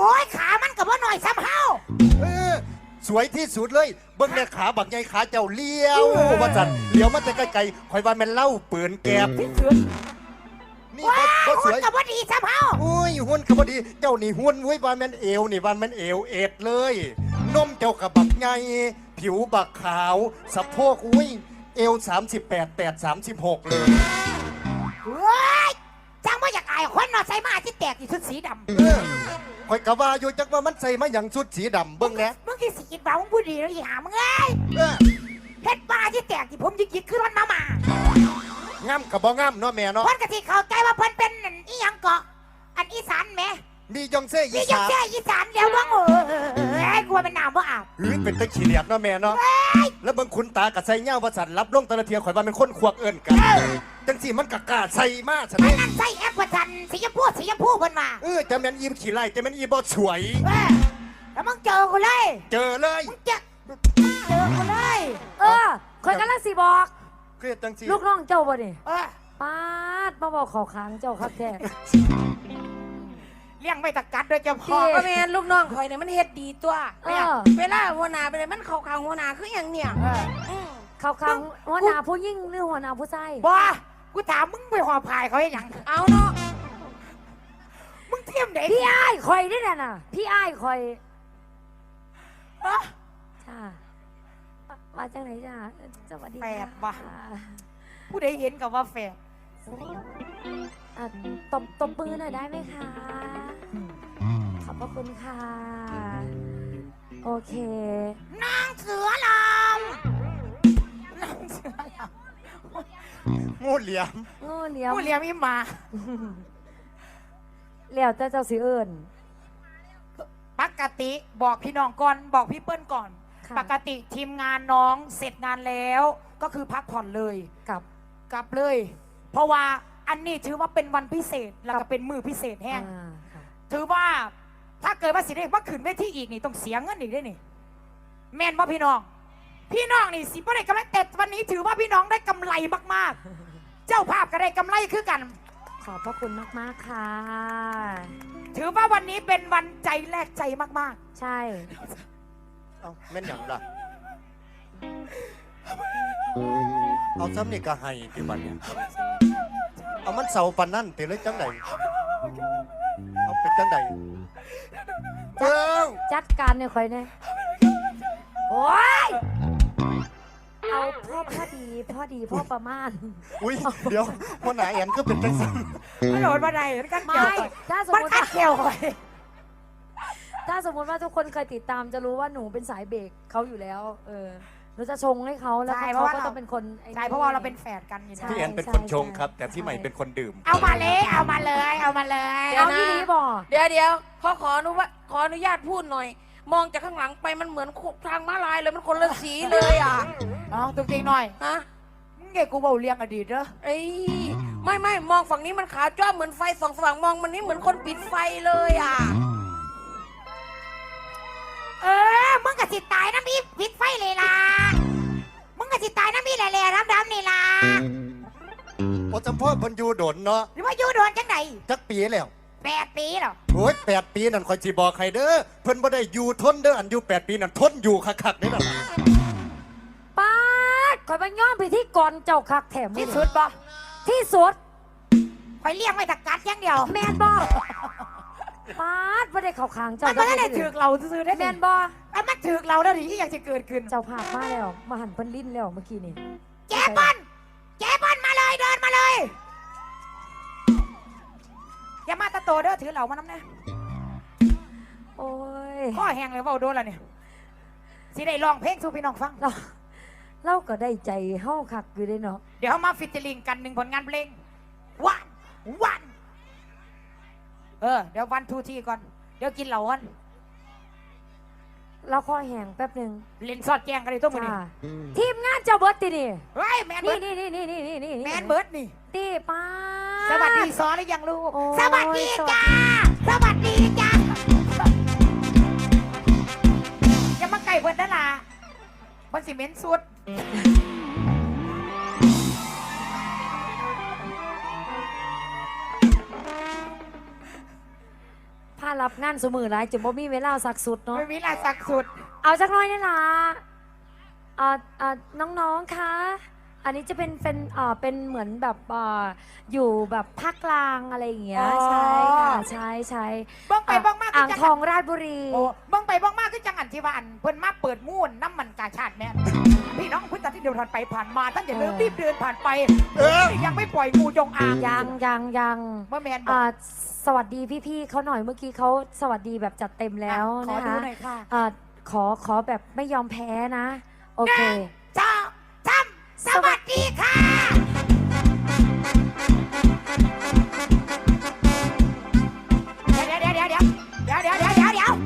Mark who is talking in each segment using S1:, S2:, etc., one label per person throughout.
S1: อ้ยขามันกับว่าหน่อยซ้ำเฮา
S2: สวยที่สุดเลยเบิ้งเนี่ยขาบักใหญ่ขาเจ้าเลี้ยวว่าจันเลี้ยวมาแต่ไกลๆคอยว่าแม่นเล่าปืนแกบที่สุดนี่
S1: ว้า
S2: ก็ส
S1: หุ่น
S2: วย
S1: กับว่าดีซ้ำเฮา
S2: อุ้ยหุ่นก็บ่ดีเจ้านี่หุ่นอุ้ยว่าแม่นเอวนี่ว่าแม่นเอวเอ็ดเลยนมเจ้ากับบักใหญ่ผิวบักขาวสะโพกอุ้ยเอว38 8 36เลย
S1: เฮ้ยจังว่าอยากอายคนนอนใส่มาที่แตกที่ชุดสีด
S2: คอยกะว่าอยู่จักว่ามันใส่มาอย่างชุดสีดำเบิ้งแหนะ
S1: มึงที่สีกินบ่าวมึงพูดดีแล้วอีหามึงเอ้ยเฮ็ดบ้าที่แตกที่ผมยิกขึ้นมันมา
S2: ง่ำกับบ่ง่ำเนาะแม่เนาะ
S1: เพิ่นก็สิเข้าใจว่าเพิ่นเป็นอีหยังเกาะอันอีสานแหม
S2: มียองเซ่อี
S1: นี่ยัง
S2: สาน
S1: แค่อีสานเดียวบ้างกลัวเป็นน้ำบ่อาบ
S2: เป็นตะขี้เหลียดเนาะแม่เนาะแล้วเบิ่งคุณตากับใส่เงาว่าสันรับลงตะละเทียข่อยว่าเป็นคนขวกเอิ้นกันจังสิมันกะกล้าใส่มาซะนี่
S1: นั่นใส่แอปประจันสีชมพูเพิ่นมา
S2: จะแม่นอีขี้ไล่จะแม่นอีบ่สวย
S1: แล้วมึงเจอกูเลย
S2: เจอเลย
S1: มึงเจอกูเลย
S3: คอยกันละสิบอก
S2: เครียดจังสิ
S3: ลูกน้องเจ้าบ่นี่ป้าดมาบอกเขาค้างเจ้าครับแท้
S1: เลี้ยงไม่ตะกัดด้วยเจ้าพ่อ
S4: แม่ลูกน้องคอยเนี่ยมันเฮ็ดดีตัวเวลาหัวหน้าไปเลยมันเข้าข้างหัวหน้าคืออย่างเนี่ย
S3: เขาค้างหัวหน้าผู้ยิ่งหรือหัวหน้าผู้ชาย
S1: บ้ากูถามมึงไปหอพายเขาให้ยัง
S4: เอาเนาะ
S1: มึงเทียมไหน
S3: พี่อ้ายคอยนี่แหละน่ะพี่อ้ายคอยจ้ามาจากไหนจ้าสวัสดี
S1: แฝดบ้าผู้ใดเห็นกับว่าแฝด
S3: ตบมือหน่อยได้ไหมคะขอบพระคุณค่ะโอเคน
S1: างเสือลำนางเสือล
S2: ำงูเหลี่ยม
S1: อีหมา
S3: แล้วแต่เจ้าสิเอิญ
S1: ปกติบอกพี่น้องก่อนบอกพี่เปิ้ลก่อนปกติทีมงานน้องเสร็จงานแล้วก็คือพักผ่อนเลยกลับเลย เพราะว่าอันนี้ถือว่าเป็นวันพิเศษแล้วก็เป็นมือพิเศษแห้งถือว่าถ้าเกิดว่าสิได้ว่าขึ้นเวทีอีกนี่ต้องเสียเงินอีกด้วยนี่แม่นว่าพี่น้องนี่สิบ่ได้กำไรแต่วันนี้ถือว่าพี่น้องได้กำไรมากๆเจ้าภาพก็ได้กำไรคือกัน
S3: ขอบพระคุณมากๆค่ะ
S1: ถือว่าวันนี้เป็นวันใจแลกใจมาก
S3: ๆใช่
S2: แม่นอย่างล่ะเอาซ้ำนี่ก็ให้ที่บัดเนี่ยเอามันเสาปันนั่นเตะเลยจังใดเอาเป็นจังใด
S3: จัดการเนี่ยคอยเนี่ยโอ้ยเอาพอดีพ่อประมาณ
S2: อุ้ยเดี๋ยวพ่อหนาแอนก็เป็นจังสัน
S1: ไม่โดนมาใดกันเกี่ยว
S3: ถ้าสมมติ
S1: เกี่ยวเลย
S3: ถ้าสมมติว่าทุกคนเคยติดตามจะรู้ว่าหนูเป็นสายเบรกเขาอยู่แล้วหนูจะชงให้เขาแล้วเขาก็ต้องเป็นคน
S1: ใช่เพราะว่าเราเป็นแฟนกันอยู่
S2: พี่แอนเป็นคนชงครับแต่พี่ใหม่เป็นคนดื่ม
S1: เอามาเลยเอา
S3: ที่นี้บอก
S4: เดี๋ยวขออนุญาตพูดหน่อยมองจากข้างหลังไปมันเหมือนทางม้าลายเลยมันคนละสีเลย
S1: น้องจริงๆหน่อย
S4: ฮะ
S1: มึงเก่งกูเบาเลี้ยงอดีตเหรอ
S4: ไม่มองฝั่งนี้มันขาวจ้าเหมือนไฟส่องสว่างมองมันนี่เหมือนคนปิดไฟเลย
S1: มึงกะสิตายน้ำมีปิดไฟเลยล่ะมึงกะสิตายน้ำมีแหล่ๆดำๆนี่ล่ะ
S2: พอจำพ่อพันยูโดนเนาะ
S1: หรือว่ายูโดนจังไหน
S2: จักปีแล้ว
S1: 8 ปีหรอ
S2: โอ้ย8 ปีนั่นคอยจีบอกใครเด้อเพิ่นบ่ได้อยู่ทนเด้ออันอยู่8 ปีนั่นทนอยู่คักๆนี่น่ะ
S3: ป้าคอยไปย้อมไปที่ก่อนเจ้าคักแถม
S1: ที่สุดบ่
S3: ที่สุด
S1: คอยเลี้ยงไว้ตะกัดอย่างเดียว
S3: แมนบ่ป้าไม่ได้เข้าข้างเจ้า
S1: ไม่ได้ถือเราซื้อได้
S3: แมนบ่
S1: มันถือเราได้ที่อยากจะเกิดขึ้น
S3: เจ้าภาพมาแล้วมาหันเพิ่นลิ้นแล้วเมื่อกี้นี่
S1: แจ๊บอลมาเลยเดินมาเลยอย่ามาตะโตเด้อถือเหล่ามาน้ำนะ
S3: โอ้ย
S1: ข้อแห้งเลยว่าโดนแล้วเนี่ยสิได้ร้องเพลงสู่พี่น้องฟัง
S3: เราก็ได้ใจเฮาคักอยู่ได้เนาะ
S1: เดี๋ยวมาฟิชเชอร์ลิงกัน1 ผลงานเพลงวันเดี๋ยว1 2 3ก่อนเดี๋ยวกินเหล่ากัน
S3: เราข้อแห้งแป๊บนึง
S1: เล่นซอดแกงกันเลยตัวมือนี่
S3: ทีมงานเจ้าเบิร์ดตีนี่
S1: เฮ้ยแมนเบิร์ด
S3: นี่
S1: แมนเบิร์ดนี่
S3: ตีป้า
S1: สวัสดีซอหรือยังลูกสวัสดีจ้าอย่ามาไก่เบิร์ดนั่นล่ะมันสิเม้นสุด
S3: พารับงานสมือหลายจุดบ่มีเวลาสักสุดเนาะ
S1: ไม่มีลาสักสุด
S3: เอาสักหน้อยนี่ล่ะน้องๆคะอันนี้จะเป็นเหมือนแบบอยู่แบบภาคกลางอะไรอย่างเงี้ย
S1: อ๋อ
S3: ใช่ค่ะใช่
S1: บ้องไปบ้องมาก
S3: อ่างทองราชบุรี
S1: โอ้บ้องไปบ้องมากคือจังอันที่ว่าอันเพิ่นมาเปิดมูนน้ำมันกาชาติแม่นพี่น้องพุทธที่เดินผ่านไปผ่านมาท่านอย่าลืมรีบเดินผ่านไปยังไม่ปล่อยงูจงอาง
S3: ยัง
S1: เมื่อแมนบอก
S3: สวัสดีพี่ๆเขาหน่อยเมื่อกี้เขาสวัสดีแบบจัดเต็มแล้ว
S1: ขอ
S3: นะ
S1: ดู
S3: คะ
S1: หน่อยค่ะ
S3: ขอแบบไม่ยอมแพ้นะ โอเค
S1: เจ้าจำสวัสดีค่ะเดี๋ยว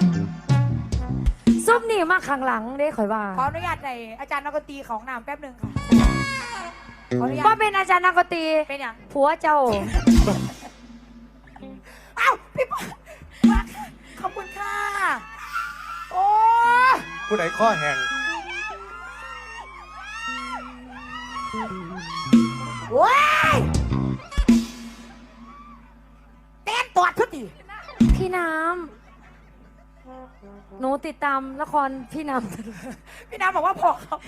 S3: ซุปนี่มาข้างหลังได้ข่อยว่า
S1: ขออนุญาตในอาจารย์นักดนตรีของนามแป๊บหนึ่งค่ะขออนุญา
S3: ว่า
S1: ต
S3: เป็นอาจารย์นักดนตรี
S1: เป็นอย่าง
S3: ผัวเจ้า
S1: อ้าวพี่ปอขอบคุณค่ะโอ้
S2: ผู้ใดข้อแห่ง
S1: ว้ายเต้นตัวทุกที
S3: พี่น้ำหนูติดตามละครพี่น้
S1: พี่น้ำบอกว่าพอครับ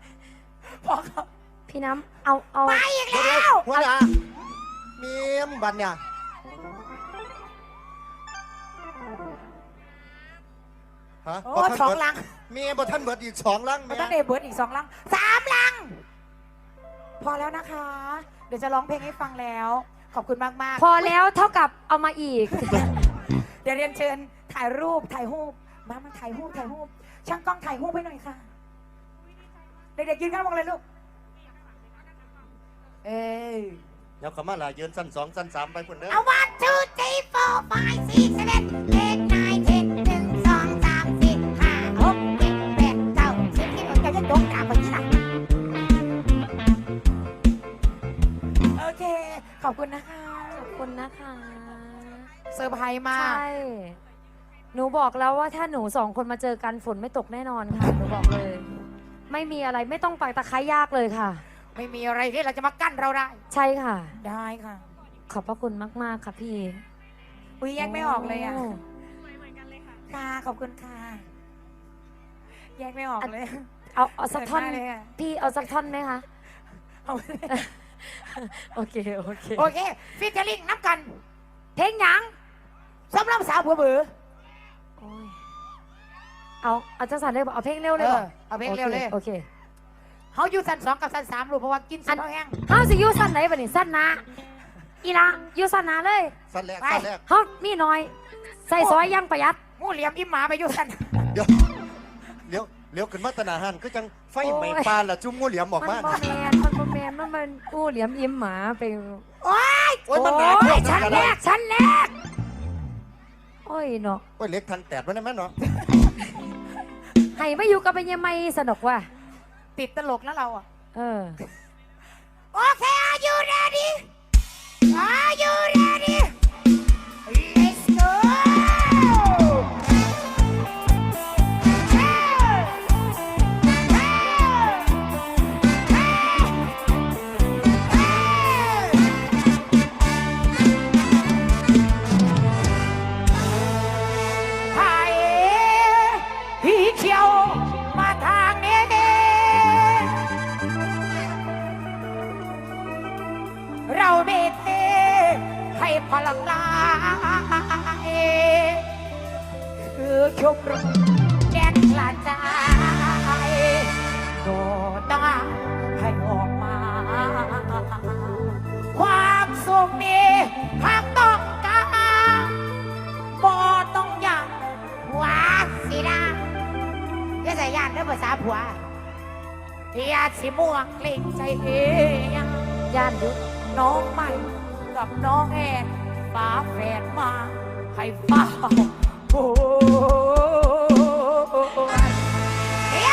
S3: ำพี่น้ำเอา
S1: ไปอีกแล้ว
S2: หัวหน้าเมียมบันเนี่ยฮะ
S1: โอ้สองลัง
S2: เมียบ่ท่านเบิดอีก2 ลัง
S1: มา
S2: แม่
S1: ตั้งเดเบิร์ดอีก2 ลัง3 ลัง พอแล้วนะคะ เดี๋ยวจะร้องเพลงให้ฟังแล้ว ขอบคุณมากๆ
S3: พอแล้วเท่ากับเอามาอีก
S1: เดี๋ยวเรียนเชิญถ่ายรูปมาถ่ายรูปช่างกล้องถ่ายรูปให้หน่อยค่ะ เด็กๆยืนข้างมองเลยลูก เอ้ย
S2: เดี๋ยวเขามาล่ะยืนสั้น2สั้น3ไปพุ่นเด้อ
S1: เอา 1 2 3 4 5 6 7 8 9 10 1 2 3 4 5 6 7 8 9 10ที่ผมจะยกกราบแบบนี้นะโอเค ขอบคุณนะคะ
S3: ขอบคุณนะคะ
S1: เซอร์ไพรส์มา
S3: ใช่
S1: ก
S3: หนูบอกแล้วว่าถ้าหนูสองคนมาเจอกันฝนไม่ตกแน่นอนค่ะ หนูบอกเลย ไม่มีอะไรไม่ต้องปักตะไคร้ยากเลยค่ะ
S1: ไม่มีอะไรที่เราจะมากั้นเราได้
S3: ใช่ค่ะ
S1: ได้ค่ะ
S3: ขอบพระคุณมากๆค่ะพี่
S1: อุ้ยแยกไม่ออกเลยอ่ะ
S3: โ
S1: ค่ะ ขอบคุณค่ะ แยกไม่ออกเลย
S3: เอาสักท่อน
S1: เขินมากเลยอะ
S3: พี่เอาสักท่อนไหมคะ
S1: เอา
S3: โอเค
S1: โอเคฟิชเชอร์ลิงนับกัน
S3: เพลงหยัง
S1: สำหรับสาวเบื่อ
S3: โอ้ยเอาจังสันเลยบอกเอาเพลงเร็วเลยบอก
S1: เอาเพลงเร็วเลย
S3: โอเค
S1: เขาอยู่สั้น2กับสั้น3ลูกเพราะว่ากินสุดเขาแห้ง
S3: เฮาสิอยูสั้นไหนบัดนี้สั้นนะอีละอยูสั้นนะเลย
S2: สั้นแรก
S1: ไป
S2: สั้นแรก
S3: เฮามีน้อย ใส่ซอยอยังประหยัด
S1: งูเหลี่ยมอิ่มหมาไปอยู่สั้น
S2: เดี๋ยวเลี้ยวขึ้นมาตนาหันก็จังไฟไหม้ปานละจุ่มงูเหลี่ยมออก
S3: มัน
S2: มา
S3: บ่แมนมันกู้เหลี่ยมอิ่มหมาไป
S1: โอ๊ย
S2: โอ้ยมันหนาพวก
S3: ชั้น
S2: กัน
S3: แร
S2: แล้ว
S3: กชั้นแรกโอ้ยเนาะ
S2: โอ้ยเล็กทันแตดไว้ได้ไหมเนาะ
S3: ให้ไม่อยู่กับเป็นยังไงสนุกว่ะ
S1: ติดตลกนะเราอ่ะ
S3: เออ
S1: โอเค are you ready are you ready let's go ไผ่พี่เขียวมาทางนี้เราไม่เทให้พลังกายคือชมรมแดนกระจายโดดตาให้ออกมา ความสุขนี้หากต้องการบ่ต้องยัง หัวสีดาอย่าใส่ยานเด้อภาษาผัวอย่าสิม่วงเกรงใจเอง
S3: ย่านยุ
S1: น้องใหม่กับน้องแอนฝาแฝดมาให้เฝ้าโอ้ยเฮ้ย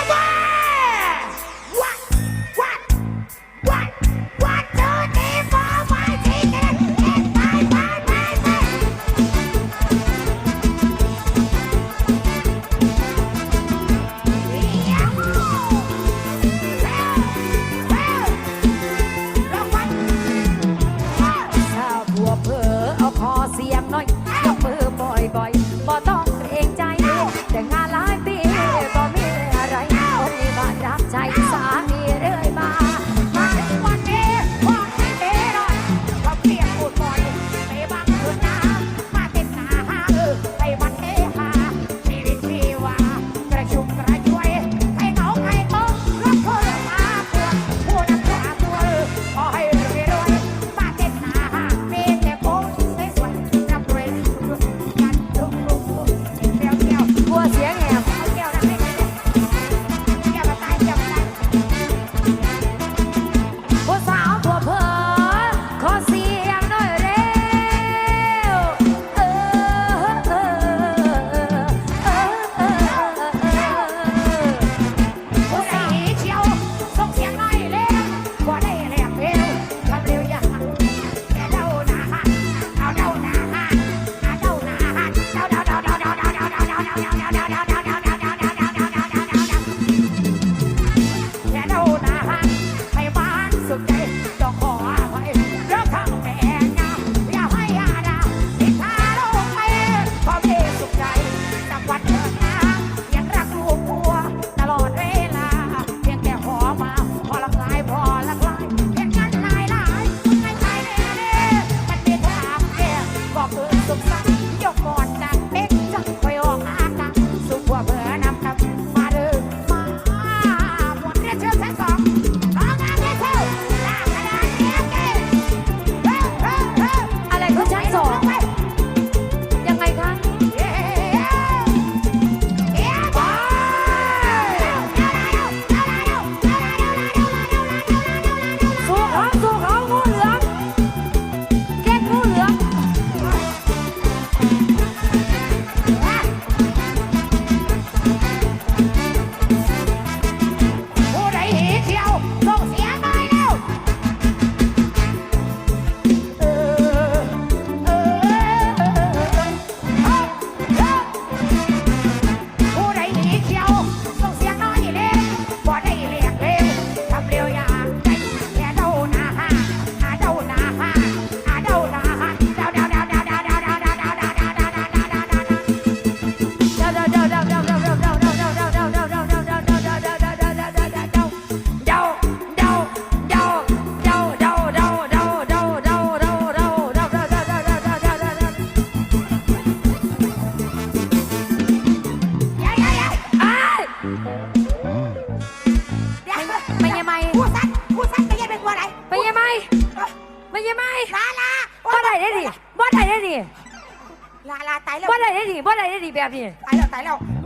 S1: what two three four five six seven eight nineถ้าผัวเผลอเอาคอเสียงหน่อยยกมือบ่เดี๋ยว
S3: ไม่ยังไม่
S1: ผู้สั้นไปยังเป็นตัวไหน
S3: ไม่ยังไม่ไม่ยังไม่
S1: ลา
S3: บ่ได้ได้ดิบ่ได้ได้ดิ
S1: ลาตายแล้ว
S3: บ่ได้ได้ดิบ่ได้ได้ดิแบบนี้
S1: ตายแล้ว